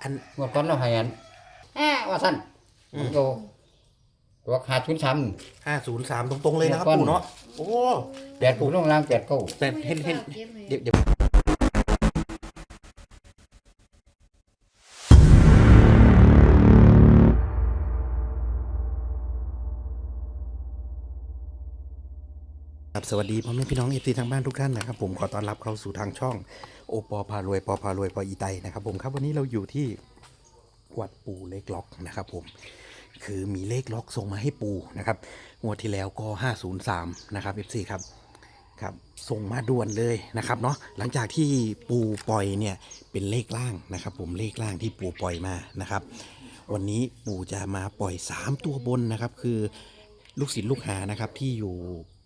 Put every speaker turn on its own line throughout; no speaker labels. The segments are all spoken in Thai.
อัน
งวดก่อนเราให้อันว่าซั่นมันก็ตัว503
503ตรงๆเลยนะครับปู่เนาะโอ้
8ปู่ลงล่าง8 9
แต่เห็นเดี๋ยวครับสวัสดีพ่อแม่พี่น้องเอฟซีทางบ้านทุกท่านนะครับผมขอต้อนรับเข้าสู่ทางช่องโอปอพารวยปอพารวยปออีไตนะครับผมครับวันนี้เราอยู่ที่วัดปู่เลขล็อกนะครับผมคือมีเลขล็อกส่งมาให้ปู่นะครับงวดที่แล้วก็503นะครับ FC ครับครับส่งมาด่วนเลยนะครับเนาะหลังจากที่ปู่ปล่อยเนี่ยเป็นเลขล่างนะครับผมเลขล่างที่ปู่ปล่อยมานะครับวันนี้ปู่จะมาปล่อย3ตัวบนนะครับคือลูกศิษย์ลูกหานะครับที่อยู่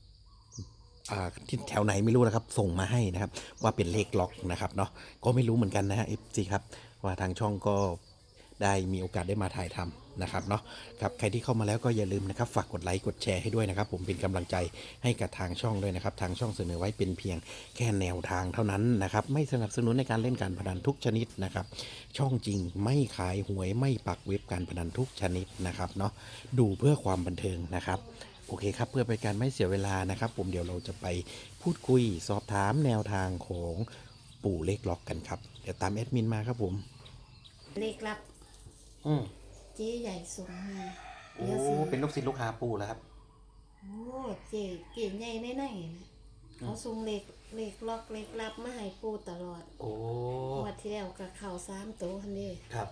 ที่แถวไหนไม่รู้นะครับส่งมาให้นะครับว่าเป็นเลขล็อกนะครับเนาะก็ไม่รู้เหมือนกันนะฮะ FC ครับว่าทางช่องก็ได้มีโอกาสได้มาถ่ายทำนะครับเนาะครับใครที่เข้ามาแล้วก็อย่าลืมนะครับฝากกดไลค์กดแชร์ให้ด้วยนะครับผมเป็นกำลังใจให้กับทางช่องด้วยนะครับทางช่องเสนอไว้เป็นเพียงแค่แนวทางเท่านั้นนะครับไม่สนับสนุนในการเล่นการพนันทุกชนิดนะครับช่องจริงไม่ขายหวยไม่ปักเว็บการพนันทุกชนิดนะครับเนาะดูเพื่อความบันเทิงนะครับโอเคครับเพื่อเป็นการไม่เสียเวลานะครับผมเดี๋ยวเราจะไปพูดคุยสอบถามแนวทางของปู่เลขล็อกกันครับเดี๋ยวตามแอดมินมาครับผม
เลขลับเจ๊ใหญ่ส่งมา
โอ้เป็นลูกศิษย์ลูกหาปู่แล้วครับ
โอ้เจ๊เก่งใหญ่แน่ๆนะเขาส่งเลขล็อกเลขลับมาให้ปู่ตลอด
โอ้
งวดที่แล้วกับเข่า3ตัวคันนี้
ครับ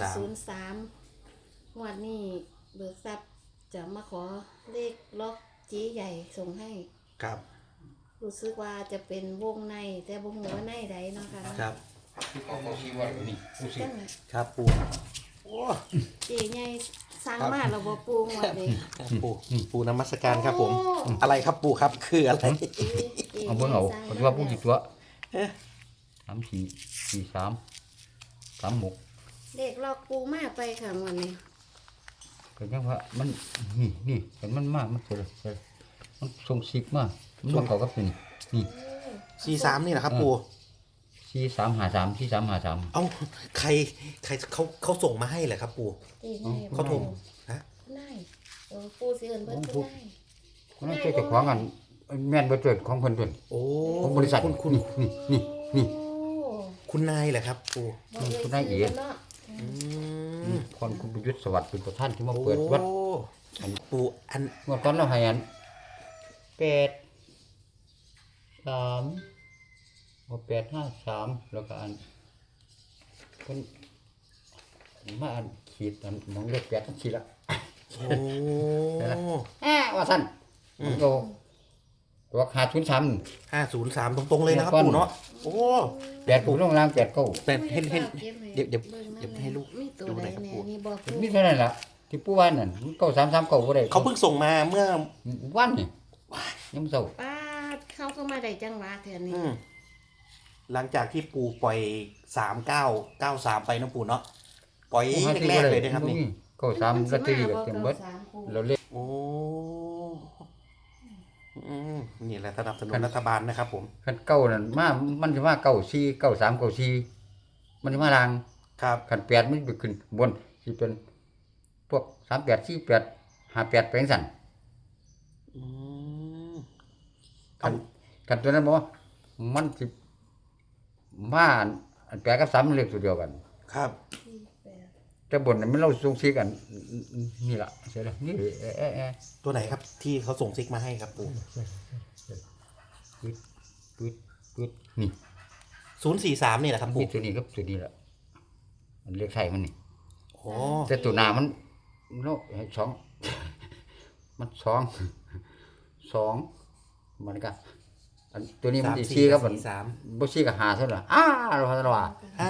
503งวดนี้เบิกทรัพย์จะมาขอเลขล็อกเจ๊ใหญ่ส่งให้
ครับ
รู้สึกว่าจะเป็นวงในแต่บ่ฮู้ว่าในใดเนาะค่ะ
ครับ
เขาชี้ว่านี่ผู้สิ
จังได๋
ครับปู่โอ้
เจ๊ใหญ่สั่งมาแล้วบ่ปู่งวดนี้
ปู่นมัสการครับผมอะไรครับปู่ครับคืออะไร
เอาเบิ่งเอาเพราะว่าผู้สิตัว34 43 36
เลขล็อกปู่มาไปค่ะงวดนี้
ก็ยังว่ามันนี่เห็นมันมากมันเสร็จมันส่งซิกมามันบ่เข้ากับตัวนี่
43นี่แหละครับปู่
4353
เอ้าใครเขาส่งมาให้เหรอครับปู่เขาโทรฮะ
ได้ปู่สิเอิ้นเพิ่นคือได้
คนนั้นเจ้าของอันแม่นบ่เกิดของเพิ่นเพิ่น
โอ้
ของบริษัท
คุณ
นี่
คุณนายเหรอครับปู่
คุณนายเอ๋คนคุณประยุทธ์สวัสดิ์เป็นประธานที่มาเปิดวัด
อันปู่อัน
เมื่อก่อนเราให้อัน853แล้วก็อันเพิ่นมาอันขีดอันมองเลข8อันขีดละ
โอ้
ว่าซั่นมันก็ตัว503
ตรงๆเลยนะครับปู่เนาะโอ้
8ปู่ลงล่าง8 9
แต่เห็นเดี๋ยวให้ลูก
ดูหน่อยครับปู่
มีเท่านั้นล่ะที่ปู่ว่านั่น9339บ่ได้
เขาเพิ่งส่งมาเมื่อ
วันนี่ยังเช้า
ป้าเข้าก็มาได้จังหวะแถวนี้
หลังจากที่ปู่ปล่อย3993ไปนะปู่เนาะปล่อยแรกๆเลยนะครับนี่
93ลอตเตอรี่ก็เต็มเบิดเราเล่น
โอ้นี่แหละสนับสนุนรัฐบาลนะครับผม
คันเก้านั่นมามันสิมา94 93 94มันสิมาล่าง
ครับ
คัน8มันไปขึ้นบนสิเป็นพวก38 48 58ไปจังซั่นกันตัวนั้นบ่มันสิมาอัน8กับ3มันเลขตัวเดียวกัน
ครับ
แต่บนนั้นมันเราส่งซิกกันนี่ล่ะใช่แล้วนี่
ตัวไหนครับที่เขาส่งซิกมาให้ครับปู่
ปึ๊ดนี่
043นี่แหละครับปู่
ตัวนี้ครับตัวนี้ล่ะมันเลขไทยมันนี่
โอ้
แต่ตัวหน้ามันโล2มัน2มันก็อันตัวนี้มันสิ4ครับบ่4ก็5เท่านั้นเราว่าซั่นว่า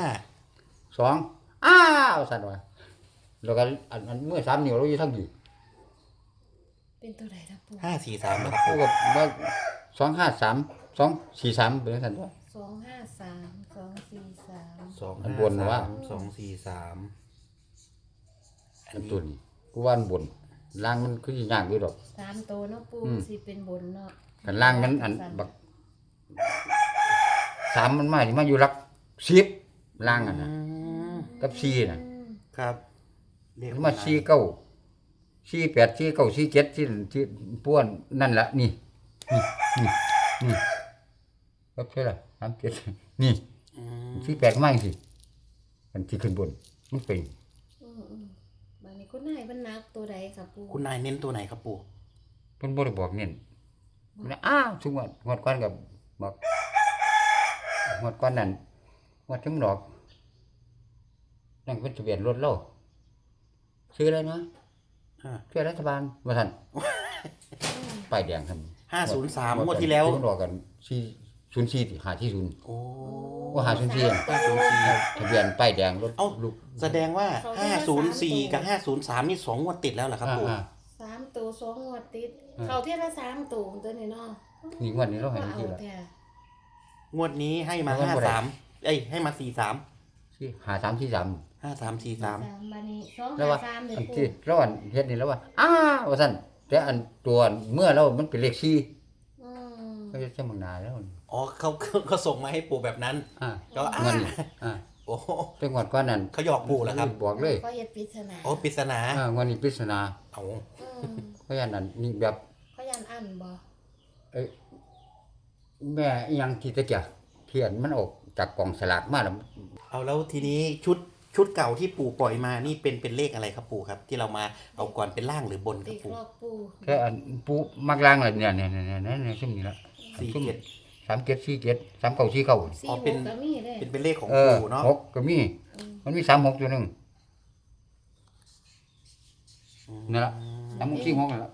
2ว่าซั่นว่าแล้วก็อันเมื่อ3นิ้วเราอยู่ทั้งดี
เป็นตัวใดครับปู่
543นะครับปู่
ก็253 243เป็นจังซั่นว่า
253 243
อันบนว่า
243
อันตุนกูว่าอันบนล่างมันคือสิยากอยู่ดอก
3ตัวเนาะปู่สิเป็นบนเนาะ
กันล่างมันอันบัก3มันมาสิมาอยู่หลัก10ล่างอ่ะนะกับซีน่ะ
ครับเลข
มาซีเก้าซีแปดซีเก้าซีเจ็ดที่ป้วนนั่นละนี่ครับใช่ละ37นี่
อืม
ซีแปดก็มาจังซี่มันสิขึ้นบนมันเป็น
บัดนี้คุณนายมันนักตัวใดค่ะปู
คุณนายเน้นตัวไหนครับปู่
เพิ่นบ่ได้บอกเน้นนะอ้าวทุกงวดก่อนก็บอกงวดก่อนนั่นงวดถึงดอกนั่นเป็นทะเบียนรถเราชื่ออะไรนะ
อ่า
ชื่อรัฐบาลว่าท่านป้ายแดงท่าน
503งวดที่แล้ว
ถึงดอกกัน404 540
โอ้
ว่า504
504
ทะเบียนป้ายแดงรถ
เอ้า
ลูก
แสดงว่า 504 กับ 503 นี่2งวดติดแล้วเหรอครับปู่
3ตัว2งวดติด
อ่า
เข้าเที่ยละ3ตัวตัวนี้เนาะ
นี่งวดนี้เราให้
ว่า
ที่
เอา
ละ
แท้
งวดนี้ให้มา
งวดบ่ได้
53เอ้ยให้มา43
ที่5343
5343
บัดนี้
แล้วว่า
253เด้
อัน
ปู
ที่เราอันเฮ็ดนี่แล้วว่าว่าซั่นแต่อันตัวเมื่อเรามันเป็นเลข4
อืม
ก็จะมึงนาแล้ว
อ๋อเขาส่งมาให้ปู่แบบนั้น ก็
เงินนี่
โอ้
เป็นงวดก่อนนั้น
เขาหยอกปู่แล้วครับ
บอกเลย
ก็เฮ็ดปริศนา
โอ้ปริศนาง
วดนี้ปริศนา
เอา
อืม
เพราะฉะนั้นนี่แบบ
เขายันอันบ่
เอ้ยแม่อีหยังที่ตะเกียเขียนมันออกจากกล่องสลากมาแล้ว
เอาแล้วทีนี้ชุดเก่าที่ปู่ปล่อยมานี่เป็นเลขอะไรครับปู่ครับ ที่เรามาเอาก่อนเป็นล่างหรือบนครั
เด็
บ
ก
ปู่
ลอกปู
แค่อันปูมักล่างเลยเนี่ยซุ่มนี่ละ
47
37 47 39 49
สี่
อ๋อ
ห
เป็น
กก็มีเด้
เป็นเลขของ
เออ
ปู่เนาะ
หกก็มี มันมี36ตัวหนึงนั่นล่ะ36 46นั่นล่ะ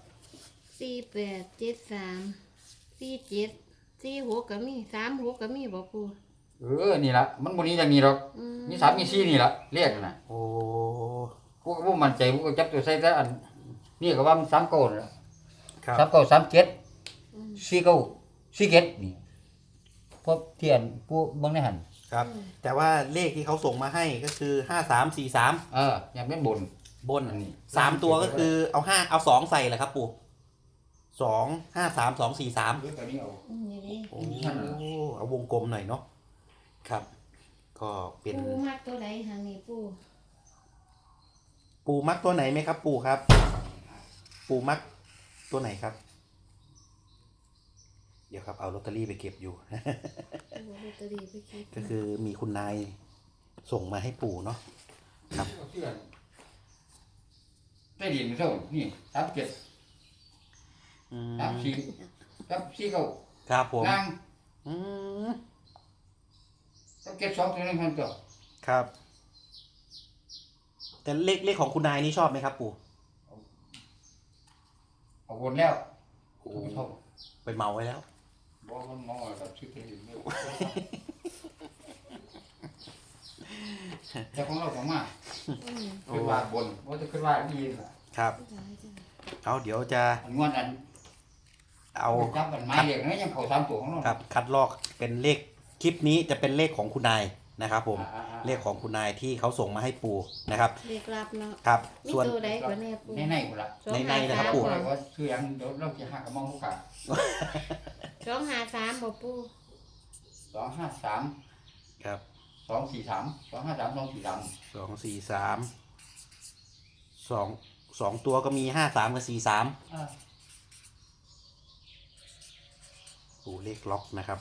48 73 47 46ก็มี36ก็มีบ่ปู
นี่ล่ะมันบ่นี้อย่างนี้หรอก
อืม
มี3มี4นี่ล่ะเลขน่ะ
โอ้
พวกบ่มั่นใจพวกก็จับตัวใส่แต่อันนี่ก็ว่ามัน39นั่นล่ะ
ครับ
39 37 49 นี่พบเทียนผู้เบิ่งในหั่น
ครับ แต่ว่าเลขที่เขาส่งมาให้ก็คือ5343
อย่างเป็นบน
บน
อันนี้
3ตัวก็คือเอา2ใส่แหละครับปู่2 53 243
เรื่องตัวนี้เอา
นี่ดิ
โอ้เอาวงกลมหน่อยเนาะครับ ก็เป็น
ปูมักตัวใดหานี่ปู
ปู่มักตัวไหนไหมครับ ปู่ครับ ปู่มักตัวไหนครับ เดี๋ยวครับเอาลอตเตอรี่ไปเก็บอยู่
ปูลอตเตอรี่ไปคิด
ก็คือมีคุณนายส่งมาให้ปู่เนาะ ครับ
เพื่อนได้ดินเท่านี่37
อืม
34ครับ49
ครับผม
ล่าง
อืม
72ตัวนึงพันตัว
ครับ แต่เลขของคุณนายนี่ชอบไหมครับปู่
เอาวนแล้ว
โอ้
เท่า
ไปเมาไว้แล้ว
บ่มันมองว่ากับชื่อเป็นอยู่แต่ของเราของมา
อืม
ขึ้นว่าบนว่าจะขึ้นว่าดีล่ะ
ครับ
หลายจัง
เอาเดี๋ยวจะ
อันงวดอัน
เอา
จับกันไม้เรียกนะยังเข้า3ตัวของเรา
ครับคัดลอกเป็นเลขคลิปนี้จะเป็นเลขของคุณนายนะครับผม
อ่าๆ
เลขของคุณนายที่เขาส่งมาให้ปู่นะครับ
เรียกรับเนาะ
ครับ
มี
ส่วน
ตัวใดกว่าแน่ปู
ในพุ่นล่ะ
ในนะครับปู่
บอกว่าชื่อหยังเดี๋ยวเราจะหากับมองผู้ขา
253บ่ปู
253
ครับ
243 253 243
243สองตัวก็มี53กับ43ปู่เลขล็อกนะครับ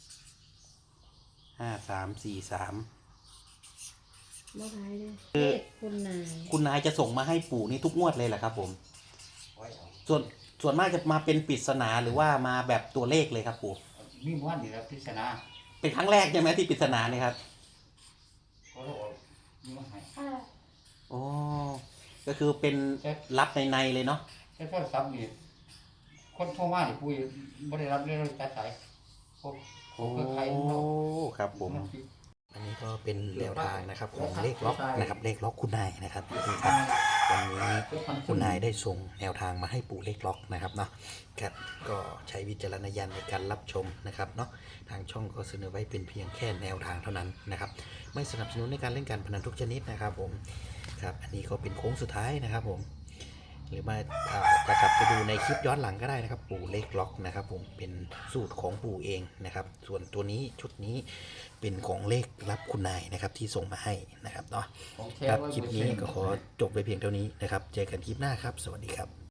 5343
บ่หลายเด้เลขคุณนาย
คุณนายจะส่งมาให้ปู่นี่ทุกงวดเลยเหรอครับผม
ไว้เอา
ส่วนมากจะมาเป็นปริศนาหรือว่ามาแบบตัวเลขเลยครับปู่
มีหมู่บ้านนี่แล้วพิจารณา
เป็นครั้งแรกใช่ไหมที่ปริศนาเนี่ยครับ
เขาเราเอามีมาให้
โอ้ก็คือเป็นรับในเลยเนาะ
แต่โทรศัพท์นี่คนโทรมานี่ปุ้ยบ่ได้รับเลยตัดสายพวก
โอ้
เครือข่ายของเรา
ครับผม อันนี้ก็เป็นแนวทางนะครับของเลขล็อกนะครับเลขล็อกคุณนายนะครับนี่ครับวันนี้คุณนายได้ส่งแนวทางมาให้ปู่เลขล็อกนะครับเนาะครับก็ใช้วิจารณญาณในการรับชมนะครับเนาะทางช่องก็เสนอไว้เป็นเพียงแค่แนวทางเท่านั้นนะครับไม่สนับสนุนในการเล่นการพนันทุกชนิดนะครับผมครับอันนี้ก็เป็นโค้งสุดท้ายนะครับผมหรือว่าจะกลับไปดูในคลิปย้อนหลังก็ได้นะครับ ปู่เลขล็อกนะครับผมเป็นสูตรของปู่เองนะครับ ส่วนตัวนี้ชุดนี้เป็นของเลขรับคุณนายนะครับที่ส่งมาให้นะครับเนาะ
ของแท้
ครับ
100%
คลิปนี้ก็ขอจบไปเพียงเท่านี้นะครับ เจอกันคลิปหน้าครับ สวัสดีครับ